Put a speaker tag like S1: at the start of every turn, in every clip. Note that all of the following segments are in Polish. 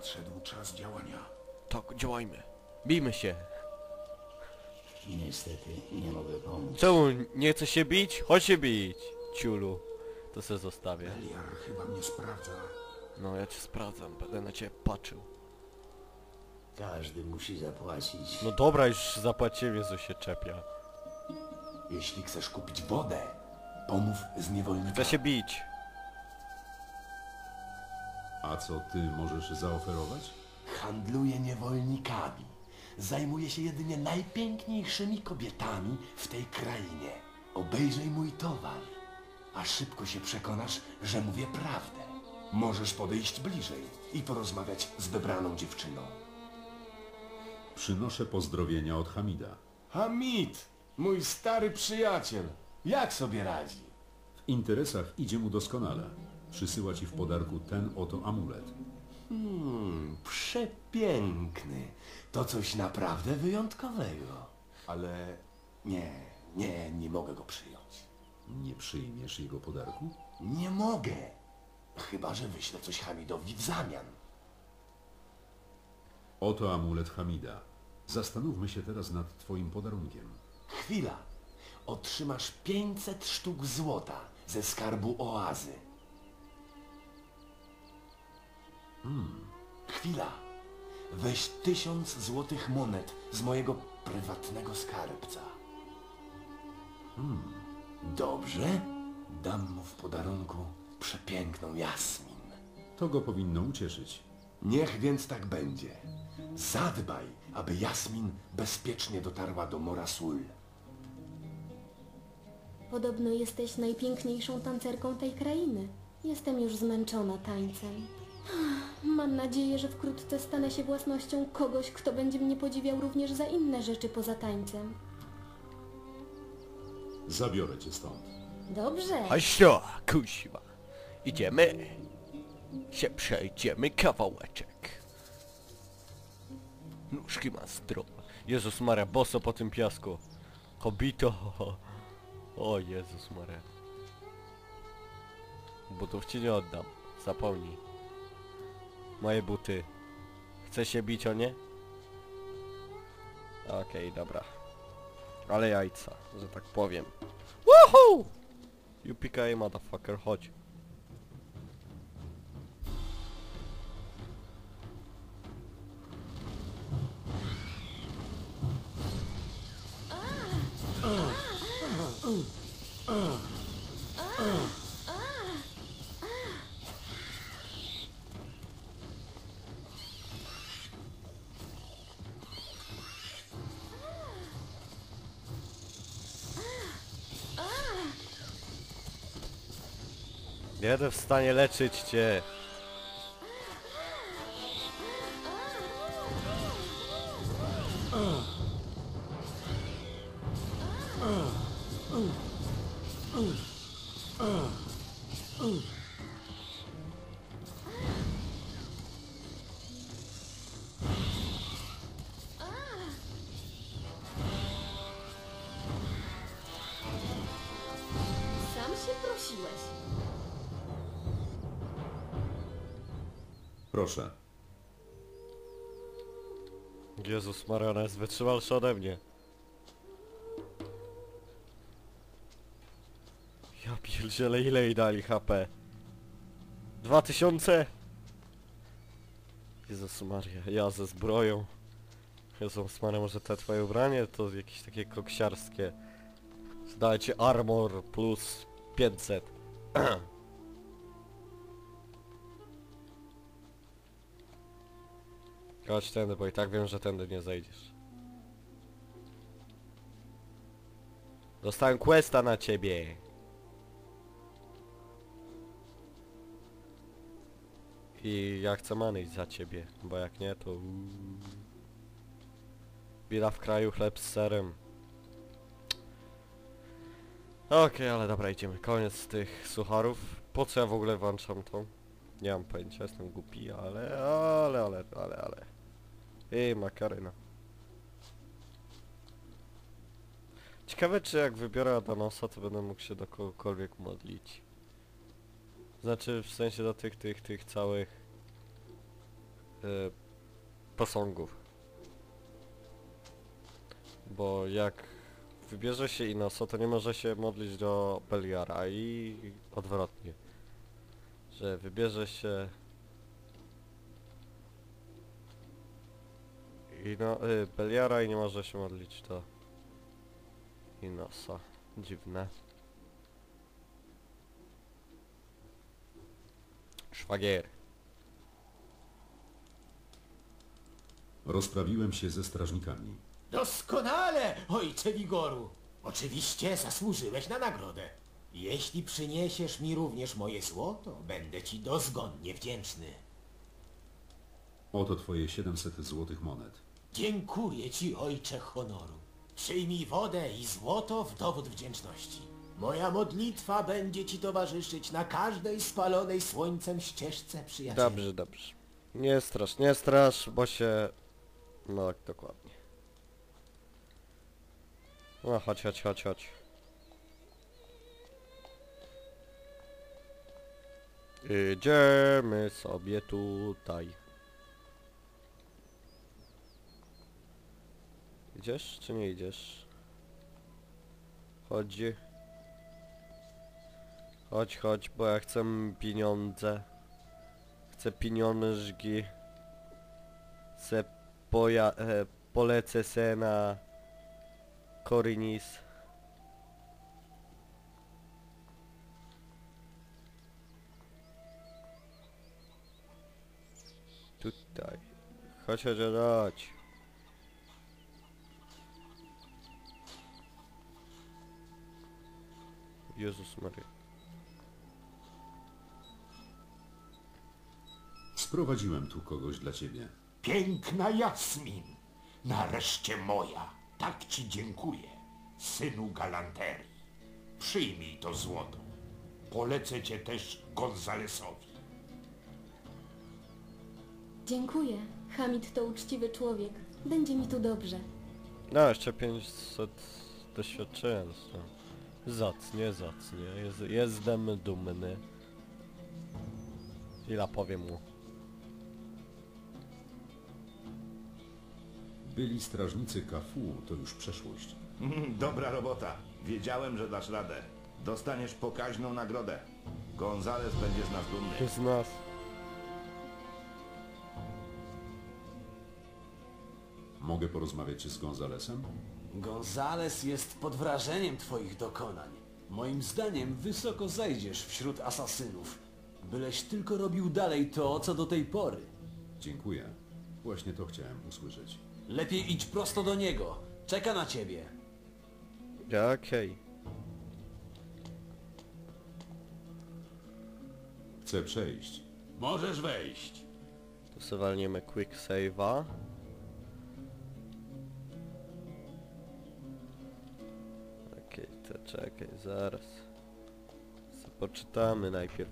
S1: nadszedł czas działania.
S2: Tak, działajmy. Bijmy się.
S3: Niestety nie mogę pomóc.
S2: Czemu nie chce się bić? Chodź się bić, ciulu. To se zostawię.
S1: Beliar chyba mnie sprawdza.
S2: No ja cię sprawdzam, będę na ciebie patrzył.
S3: Każdy musi zapłacić.
S2: No dobra, już zapłaciłem, Jezu się czepia.
S1: Jeśli chcesz kupić wodę, pomów z niewolnikami.
S2: Chcę się bić.
S4: A co ty możesz zaoferować?
S1: Handluję niewolnikami. Zajmuję się jedynie najpiękniejszymi kobietami w tej krainie. Obejrzyj mój towar, a szybko się przekonasz, że mówię prawdę. Możesz podejść bliżej i porozmawiać z wybraną dziewczyną.
S4: Przynoszę pozdrowienia od Hamida.
S1: Hamid, mój stary przyjaciel, jak sobie radzi?
S4: W interesach idzie mu doskonale. Przysyła ci w podarku ten oto amulet.
S1: Przepiękny. To coś naprawdę wyjątkowego. Ale nie mogę go przyjąć.
S4: Nie przyjmiesz jego podarku?
S1: Nie mogę. Chyba że wyślę coś Hamidowi w zamian.
S4: Oto amulet Hamida. Zastanówmy się teraz nad twoim podarunkiem.
S1: Chwila. Otrzymasz 500 sztuk złota ze skarbu oazy. Chwila. Weź 1000 złotych monet z mojego prywatnego skarbca. Dobrze? Dam mu w podarunku przepiękną Jasmin.
S4: To go powinno ucieszyć.
S1: Niech więc tak będzie. Zadbaj, aby Jasmin bezpiecznie dotarła do Morasul.
S5: Podobno jesteś najpiękniejszą tancerką tej krainy. Jestem już zmęczona tańcem. Mam nadzieję, że wkrótce stanę się własnością kogoś, kto będzie mnie podziwiał również za inne rzeczy poza tańcem.
S4: Zabiorę cię stąd.
S5: Dobrze.
S2: Haścio, kusiwa. Idziemy. Się przejdziemy kawałeczek. Nóżki ma zdrowe. Jezus Maria, boso po tym piasku. Kobito. O Jezus Maria. Butów ci nie oddam. Zapomnij. Moje buty. Chce się bić o nie? Okej, dobra. Ale jajca, że tak powiem. Woohoo! UPK motherfucker, chodź. Nie będę w stanie leczyć cię.
S5: Sam się prosiłeś.
S4: Proszę.
S2: Jezus Maria, ona jest wytrzymalsza ode mnie. Ja pierdzielę, ile jej dali HP? 2000? Jezus Maria, ja ze zbroją. Jezus Maria, może te twoje ubranie to jakieś takie koksiarskie. Dajcie armor plus 500. Chodź tędy, bo i tak wiem, że tędy nie zejdziesz. Dostałem questa na ciebie. I ja chcę manejść za ciebie, bo jak nie to... Bida w kraju, chleb z serem. Okej, ale dobra, idziemy. Koniec tych sucharów. Po co ja w ogóle włączam to? Nie mam pojęcia, jestem głupi, ale... Ej, makaryna. Ciekawe, czy jak wybiorę Adanosa, to będę mógł się do kogokolwiek modlić. Znaczy, w sensie do tych całych posągów. Bo jak wybierze się Inosa, to nie może się modlić do Beliara i odwrotnie. Że wybierze się Beliara i nie może się modlić do Inosa. Dziwne. Szwagier.
S4: Rozprawiłem się ze strażnikami.
S3: Doskonale, ojcze Wigoru. Oczywiście zasłużyłeś na nagrodę. Jeśli przyniesiesz mi również moje złoto, będę ci dozgonnie wdzięczny.
S4: Oto twoje 700 złotych monet.
S3: Dziękuję ci, ojcze honoru. Przyjmij wodę i złoto w dowód wdzięczności. Moja modlitwa będzie ci towarzyszyć na każdej spalonej słońcem ścieżce, przyjacielu.
S2: Dobrze, dobrze. Nie strasz, bo się... No, dokładnie. No, chodź. Idziemy sobie tutaj. Idziesz, czy nie idziesz? Chodź, bo ja chcę pieniądze. Chcę pieniążki. Polecę se na Korinis. Tutaj. Chodź. Jezus Maria.
S4: Sprowadziłem tu kogoś dla ciebie.
S1: Piękna Jasmin, nareszcie moja, tak ci dziękuję, synu galanterii. Przyjmij to złoto. Polecę cię też Gonzalesowi.
S5: Dziękuję. Hamid to uczciwy człowiek. Będzie mi tu dobrze.
S2: No, jeszcze 500 doświadczenia dostałem. Zacnie. Jestem dumny. Chwila, powiem mu.
S4: Byli strażnicy Kafu, to już przeszłość.
S6: Dobra robota. Wiedziałem, że dasz radę. Dostaniesz pokaźną nagrodę. Gonzales będzie z nas dumny.
S2: Z nas.
S4: Mogę porozmawiać z Gonzalesem?
S7: Gonzales jest pod wrażeniem twoich dokonań. Moim zdaniem wysoko zejdziesz wśród asasynów. Byleś tylko robił dalej to, co do tej pory.
S4: Dziękuję. Właśnie to chciałem usłyszeć.
S7: Lepiej idź prosto do niego. Czeka na ciebie.
S2: Okej.
S4: Chcę przejść.
S1: Możesz wejść.
S2: To sobie walniemy quick save'a. Okej, to czekaj, zaraz. Poczytamy najpierw.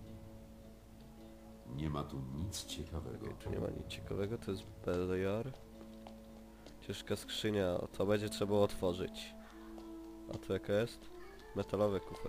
S4: Nie ma tu nic ciekawego.
S2: Tu nie ma nic ciekawego, to jest Beliar. Ciężka skrzynia, to będzie trzeba otworzyć. A to jaka jest? Metalowy kufer.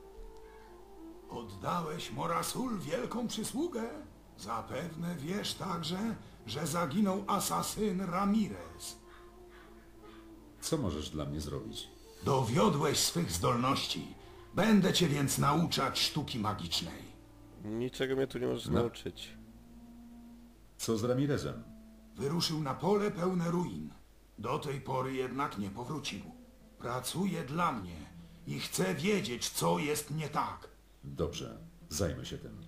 S8: Oddałeś Morasul wielką przysługę. Zapewne wiesz także, że zaginął asasyn Ramirez.
S4: Co możesz dla mnie zrobić?
S8: Dowiodłeś swych zdolności. Będę cię więc nauczać sztuki magicznej.
S2: Niczego mnie tu nie możesz
S4: No.
S2: nauczyć.
S4: Co z Ramirezem?
S8: Wyruszył na pole pełne ruin. Do tej pory jednak nie powrócił. Pracuje dla mnie i chce wiedzieć, co jest nie tak.
S4: Dobrze, zajmę się tym.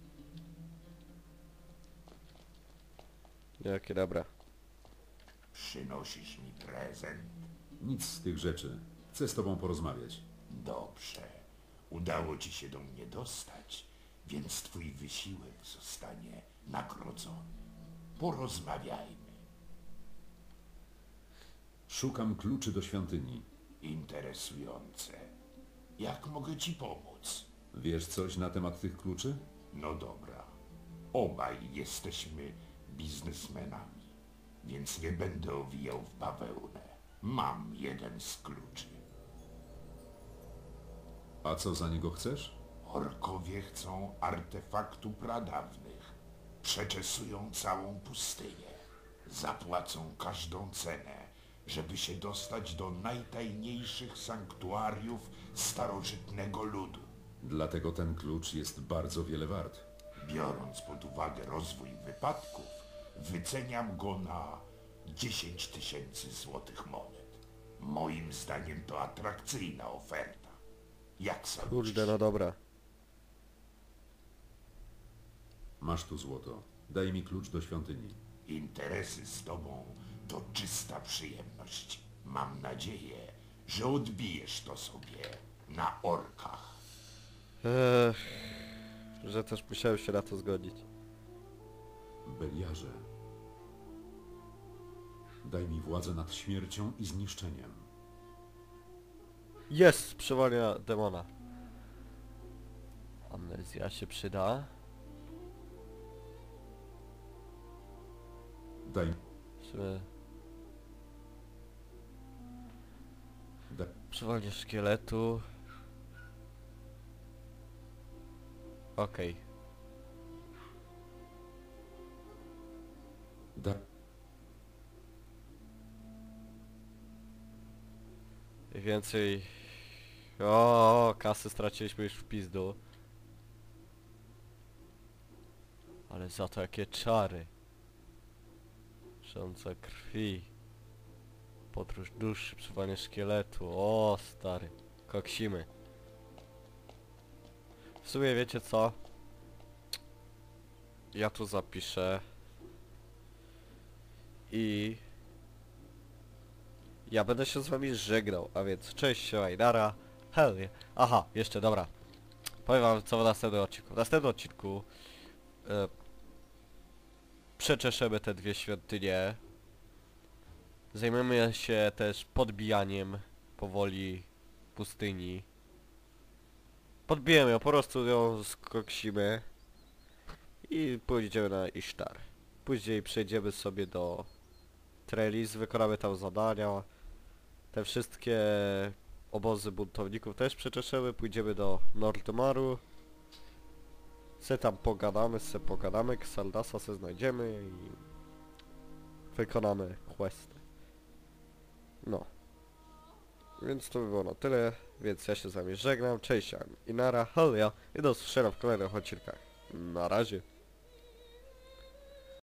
S2: Jakie dobra.
S1: Przynosisz mi prezent?
S4: Nic z tych rzeczy. Chcę z tobą porozmawiać.
S1: Dobrze. Udało ci się do mnie dostać, więc twój wysiłek zostanie nagrodzony. Porozmawiajmy.
S4: Szukam kluczy do świątyni.
S1: Interesujące. Jak mogę ci pomóc?
S4: Wiesz coś na temat tych kluczy?
S1: No dobra. Obaj jesteśmy biznesmenami, więc nie będę owijał w bawełnę. Mam jeden z kluczy.
S4: A co za niego chcesz?
S1: Orkowie chcą artefaktu pradawnych.
S8: Przeczesują całą pustynię. Zapłacą każdą cenę, żeby się dostać do najtajniejszych sanktuariów starożytnego ludu.
S4: Dlatego ten klucz jest bardzo wiele wart.
S8: Biorąc pod uwagę rozwój wypadków, wyceniam go na 10 000 złotych monet. Moim zdaniem to atrakcyjna oferta. Jak sądzisz?
S2: Kurde, no dobra.
S4: Masz tu złoto. Daj mi klucz do świątyni.
S8: Interesy z tobą to czysta przyjemność. Mam nadzieję, że odbijesz to sobie na orkach.
S2: Że też musiałem się na to zgodzić.
S4: Beliarze, daj mi władzę nad śmiercią i zniszczeniem.
S2: Jest! Przywołania demona. Amnezja się przyda.
S4: Daj...
S2: Czy...
S4: Da,
S2: Przywolnie szkieletu. Okej.
S4: da,
S2: Więcej... O, kasy straciliśmy już w pizdu. Ale za to jakie czary. Rządza krwi. Podróż duszy, przywołanie szkieletu. O, stary. Koksimy. W sumie wiecie co? Ja tu zapiszę. I... ja będę się z wami żegnał, a więc cześć, siemajdara. Hell yeah. Aha, jeszcze, dobra. Powiem wam co w następnym odcinku. W następnym odcinku... przeczeszemy te dwie świątynie. Zajmiemy się też podbijaniem powoli pustyni. Podbijemy ją, po prostu ją skoksimy. I pójdziemy na Isztar. Później przejdziemy sobie do Trellis, wykonamy tam zadania. Te wszystkie obozy buntowników też przeczeszemy, pójdziemy do Nordmaru. Se tam pogadamy, Xaldasa se znajdziemy i wykonamy questy. No. Więc to by było na tyle, więc ja się z wami żegnam, cześć, i nara, hell yeah, i do usłyszenia w kolejnych odcinkach. Na razie.